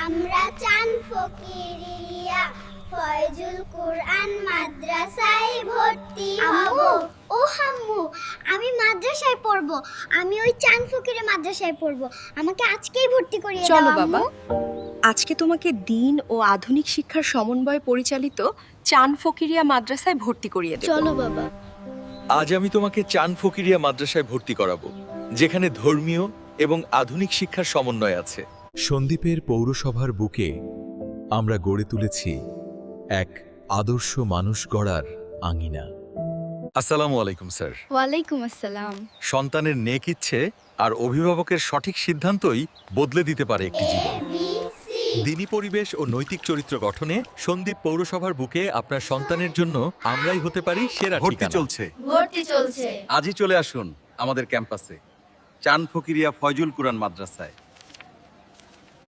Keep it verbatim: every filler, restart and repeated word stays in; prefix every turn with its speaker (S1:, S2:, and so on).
S1: আমরা চান ফকিরিয়া ফয়জুল কুরআন মাদ্রাসায় ভর্তি হব। ও হাম্মু, আমি মাদ্রাসায় পড়ব। আমি ওই চান ফকিরে মাদ্রাসায় পড়ব। আমাকে আজকেই ভর্তি করিয়ে দাও।
S2: চলো
S1: আম্মু।
S2: বাবা, আজকে তোমাকে দিন ও আধুনিক শিক্ষার সমন্বয়ে পরিচালিত চান ফকিরিয়া মাদ্রাসায় ভর্তি করিয়ে দেব।
S1: চলো বাবা।
S3: আজ আমি তোমাকে চান ফকিরিয়া মাদ্রাসায় ভর্তি করাবো, যেখানে ধর্মীয় এবং আধুনিক শিক্ষার সমন্বয় আছে।
S4: সন্দ্বীপের পৌরসভার বুকে আমরা গড়ে তুলেছি এক আদর্শ মানুষ গড়ার আঙিনা।
S3: আসসালামু আলাইকুম স্যার।
S2: ওয়ালাইকুম আসসালাম।
S3: সন্তানের নেক ইচ্ছে আর অভিভাবকের সঠিক সিদ্ধান্তই বদলে দিতে পারে একটি জীবন। দিনী পরিবেশ ও নৈতিক চরিত্র গঠনে সন্দ্বীপ পৌরসভার বুকে আপনার সন্তানের জন্য আমরাই হতে পারি সেরা
S5: ভর্তি
S3: ঠিকানা।
S5: চলছে।
S1: ভর্তি চলছে।
S5: আজই চলে আসুন আমাদের ক্যাম্পাসে চান ফকিরিয়া ফয়জুল কুরআন মাদ্রাসায়।